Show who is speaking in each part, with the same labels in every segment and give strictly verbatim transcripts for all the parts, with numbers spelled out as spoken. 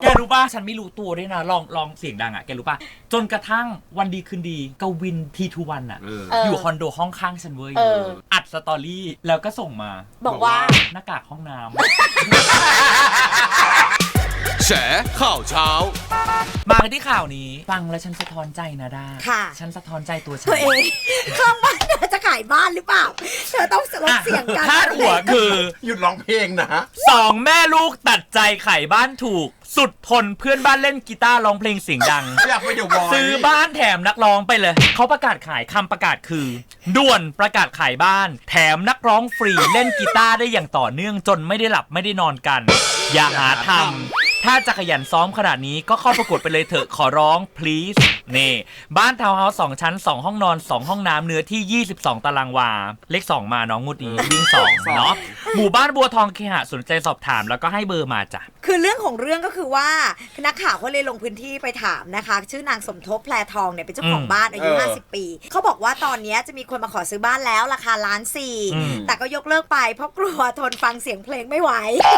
Speaker 1: รู้ป่ะฉันไม่รู้ตัวด้วยนะลองลองเสียงดังอ่ะแกรู้ป่ะจนกระทั่งวันดีคืนดีกวินทีทูวันอ่ะอยู่คอนโดห้องข้างฉันเว้ยอัดสตอรี่แล้วก็ส่งมา
Speaker 2: บอกว่า
Speaker 1: หน้ากากห้องน้ำ
Speaker 3: แฉข่าวเช้า
Speaker 1: มาที่ข่าวนี้ฟังแล้วฉันสะท้อนใจนะด้า
Speaker 2: ค่ะ
Speaker 1: ฉันสะท้อนใจตัวฉัน
Speaker 2: ตัวเองข้างบ้านเธอจะขายบ้านหรือเปล่าเธอต้องลดเสียงกัน
Speaker 1: พาดหัวคือ
Speaker 4: หยุดร้องเพลงนะ
Speaker 1: สองแม่ลูกตัดใจขายบ้านถูกสุดทนเพื่อนบ้านเล่นกีตาร์ร้องเพลงเสียงดัง
Speaker 4: อยากไปเดี๋ยวบอย
Speaker 1: ซื้อบ้านแถมนักร้องไปเลยเขาประกาศขายคำประกาศคือด่วนประกาศขายบ้านแถมนักร้องฟรีเล่นกีตาร์ได้อย่างต่อเนื่องจนไม่ได้หลับไม่ได้นอนกันอย่าหาทำถ้าจะขยันซ้อมขนาดนี้ก็เข้าประกวดไปเลยเถอะขอร้อง please นี่บ้านทาวน์เฮาส์สองชั้นสองห้องนอนสองห้องน้ำเนื้อที่ยี่สิบสองตารางวาเลขสองมาน้องงุดนี้วิ่งสองเนาะหมู่บ้านบัวทองเคหะสนใจสอบถามแล้วก็ให้เบอร์มาจ้ะ
Speaker 2: คือเรื่องของเรื่องก็คือว่านักข่าวเขาเลยลงพื้นที่ไปถามนะคะชื่อนางสมทบแพรทองเนี่ยเป็นเจ้าของบ้านอายุห้าสิบปีเขาบอกว่าตอนนี้จะมีคนมาขอซื้อบ้านแล้วราคาล้านสี่แต่ก็ยกเลิกไปเพราะกลัวทนฟังเสียงเพลงไม่ไหว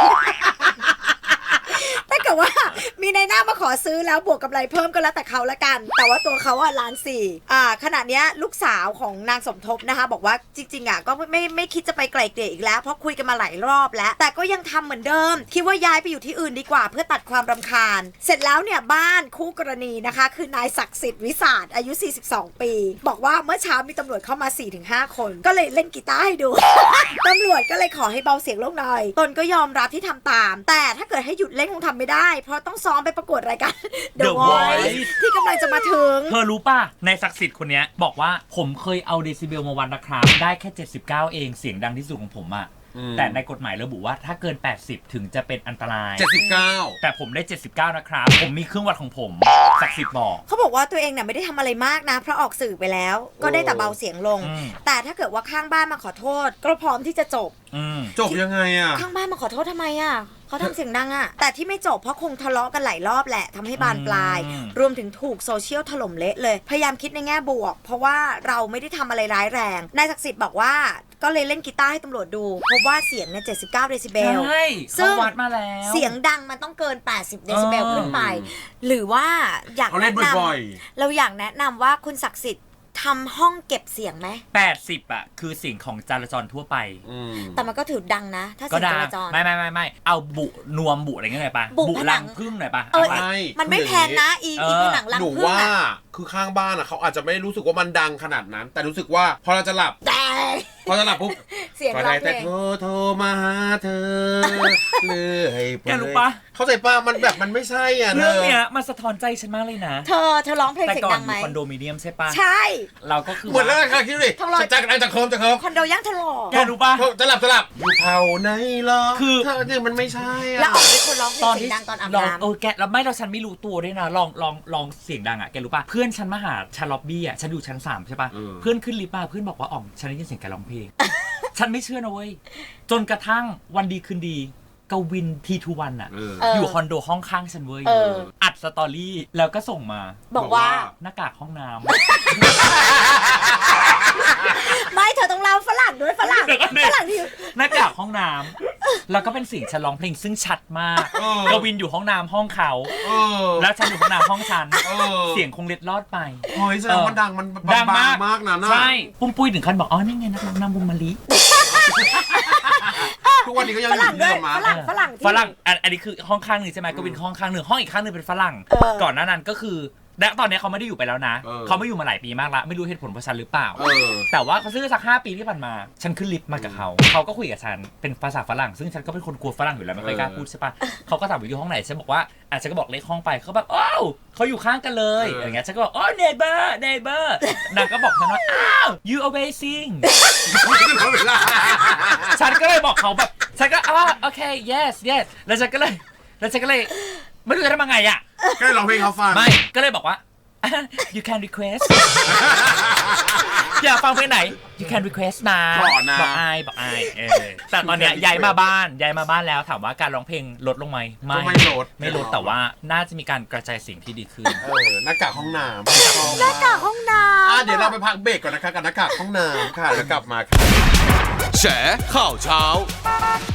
Speaker 2: ถ้าเกิดว่ามีในหน้ามาขอซื้อแล้วบวกกับอะไรเพิ่มก็แล้วแต่เขาละกันแต่ว่าตัวเขาอะล้านสี่อ่าขณะเนี้ยลูกสาวของนางสมทบนะคะบอกว่าจริงๆอะก็ไม่ไม่คิดจะไปไกลเกลี่ยอีกแล้วเพราะคุยกันมาหลายรอบแล้วแต่ก็ยังทำเหมือนเดิมคิดว่าย้ายไปอยู่ที่อื่นดีกว่าเพื่อตัดความรำคาญเสร็จแล้วเนี่ยบ้านคู่กรณีนะคะคือนายศักดิ์สิทธิ์วิสาทอายุสี่สิบสองปีบอกว่าเมื่อเช้ามีตำรวจเข้ามา สี่ถึงห้า คนก็เลยเล่นกีตาร์ให้ดู ตำรวจก็เลยขอให้เบาเสียงลงหน่อยตนก็ยอมรับที่ทำตามแต่ถ้าเกิดให้หยุดเล่นคงทำไม่ได้เพราะต้องซ้อมไปประกวดรายการ The Voice ที่กำลังจะมาถึง
Speaker 1: เธอรู้ป่ะในศักดิ์สิทธิ์คนนี้บอกว่าผมเคยเอาเดซิเบลมาวัดนะครับได้แค่เจ็ดสิบเก้าเองเสียงดังที่สุดของผมอะแต่ในกฎหมายระบุว่าถ้าเกินแปดสิบถึงจะเป็นอันตราย
Speaker 4: เจ็ดสิบเก้า
Speaker 1: แต่ผมได้เจ็ดสิบเก้านะครับผมมีเครื่องวัดของผมศักดิ์สิทธิ์บอก
Speaker 2: เขาบอกว่าตัวเองเนี่ยไม่ได้ทำอะไรมากนะเพราะออกสื่อไปแล้วก็ได้แต่เบาเสียงลงแต่ถ้าเกิดว่าข้างบ้านมาขอโทษก็พร้อมที่จะจบ
Speaker 4: จบยังไงอะ
Speaker 2: ข้างบ้านมาขอโทษทำไมอะเขาทำเสียงดังอะแต่ที่ไม่จบเพราะคงทะเลาะกันหลายรอบแหละทำให้บานปลายรวมถึงถูกโซเชียลถล่มเละเลยพยายามคิดในแง่บวกเพราะว่าเราไม่ได้ทำอะไรร้ายแรงนายศักดิ์สิทธิ์บอกว่าก็เลยเล่นกีตาร์ให้ตำรวจดูพบว่าเสียงเนี่ยเจ็ดสิบเก้าเดซิเบล
Speaker 1: ซึ่งวัดมาแล้ว
Speaker 2: เสียงดังมันต้องเกินแปดสิบเดซิเบลขึ้นไปหรือว่าอยากแนะนำเราอยากแนะนำว่าคุณศักดิ์สิทธิ์ทำห้องเก็บเสียงไหม
Speaker 1: แปดสิบอ่ะคือเสียงของจราจรทั่วไป
Speaker 2: แต่มันก็ถือดังนะถ้าเสียงจราจร
Speaker 1: ไม่ไม่ไม่ไม่เอาบุนวมบุอะไรเงี้ยหน่อยปะบุรังพึ่งหน่อยปะ
Speaker 2: เออมันไม่แพงนะอีอีผนังรังพึ่ง
Speaker 4: อ่ะคือข้างบ้านอ่ะเขาอาจจะไม่รู้สึกว่ามันดังขนาดนั้นแต่รู้สึกว่าพอเราจะหลับพอจะหลับปุ๊บ
Speaker 2: เสียงร้องเพลง
Speaker 4: แต่โทรโทรมาหาเธอเลย
Speaker 1: แกรู้ปะ
Speaker 4: เข้าใจป่ะมันแบบมันไม่ใช่อ่ะ
Speaker 1: เรื่องเนี้ยมันสะท้อนใจฉันมากเลยนะ
Speaker 2: เธอเธอร้องเพลงเสียงดังไหม
Speaker 1: คอนโดมิเนียมใช่ปะ
Speaker 2: ใช่
Speaker 1: เราก็คือ
Speaker 4: เหมือนแล้วค่ะคิดดิจะจะจะเคิมจะเคิม
Speaker 2: คอนโดย่างทะลอ
Speaker 1: แกรู้ปะ
Speaker 4: จะหลับจะหลับอยู่เผาไหนล่ะ
Speaker 1: คือ
Speaker 4: เธอเนี่ยมันไม่ใช่อ่ะ
Speaker 2: แล้วออกเป็นคนร้องเพลงเสียงดังตอนอาบน้ำ
Speaker 1: เออแกแล้วไม่เราฉันไม่รู้ตัวด้วยนะลองลองลองเสียงดังอ่ะแกรู้ปะเพื่อนฉันมาหาชั้นล็อบบี้อ่ะฉันอยู่ชั้นสามใช่ปะเพื่อนขึ้นลิฟต์มาเพื่อนบอกว่าอ๋อฉันได้ยินเสียงแกร้องเพลงฉันไม่เชื่อนะเว้ยจนกระทั่งวันดีคืนดีกวินทีทูวันอ่ะอยู่คอนโดห้องข้างฉันเว้ยอัดสตอรี่แล้วก็ส่งมา
Speaker 2: บอกว่า
Speaker 1: หน้ากากห้องน้ำ
Speaker 2: ไม่เธอต้องเล่าฝรั่งด้วยฝรั่งฝรั่งที่
Speaker 1: หน้ากากห้องน้ำแล้วก็เป็นเสียงฉันร้องเพลงซึ่งชัดมากกวินอยู่ห้องน้ำห้องเขาแล้วฉันอยู่ห้องน้ำห้องฉันเสียงคงเล็ดลอดไป
Speaker 4: เฮ้ยแสดงว่าดังมัน
Speaker 1: ดังมาก
Speaker 4: มากนะ
Speaker 1: ใช่ปุ้มปุ้ยถึงขั้นบอกอ๋อนี่ไงนักร้องนำวงมะลิ
Speaker 4: ทุกวันนี้ก็ยังอยู่
Speaker 2: ที่เดิมมาฝรั่งฝรั่ง
Speaker 1: ฝรั่งอันนี้คือห้องข้างหนึ่งใช่ไหมกวินห้องข้างหนึ่งห้องอีกข้างหนึ่งเป็นฝรั่งก่อนหน้านั้นก็คือและตอนนี้เขาไม่ได้อยู่ไปแล้วนะเขาไม่อยู่มาหลายปีมากละไม่รู้เหตุผลเพราะฉันหรือเปล่าแต่ว่าเขาซื้อสักห้าปีที่ผ่านมาฉันขึ้นลิฟต์มากับเขาเขาก็คุยกับฉันเป็นภาษาฝรั่งซึ่งฉันก็เป็นคนกลัวฝรั่งอยู่แล้วไม่ค่อยกล้าพูดใช่ปะเขาก็ถามว่าอยู่ห้องไหนฉันบอกว่าอาจจะก็บอกเลขห้องไปเขาแบบอ้าวเขาอยู่ข้างกันเลยอย่างเงี้ยฉันก็บอกอ๋อ neighbor neighbor นางก็บอกฉันว่าอ้าว you amazing ฉันก็เลยบอกเขาแบบฉันก็อ๋อโอเค yes yes แล้วฉันก็เลยแล้วฉันก็เลยไม่รู้จะทำยังไงอ่ะ
Speaker 4: ก็เลยร้องเพลงเขาฟัง
Speaker 1: ไม่ก็เลยบอกว่า you can request อยากฟังเพลงไหน you can request นะบอกไอบอกไอเออแต่ตอนเนี้ยย้ายมาบ้านย้ายมาบ้านแล้วถามว่าการร้องเพลงลดลงไหม
Speaker 4: ไม่ไม่ลด
Speaker 1: ไม่ลดแต่ว่าน่าจะมีการกระจายเสียงที่ดีขึ้น
Speaker 4: เออหน้ากากห้องน้
Speaker 2: ำหน้ากากห้องน้
Speaker 4: ำเดี๋ยวเราไปพักเบรกก่อนนะคะกับหน้ากากห้องน้ำค่ะแล้วกลับมาค่ะ
Speaker 3: แฉข่าวเช้า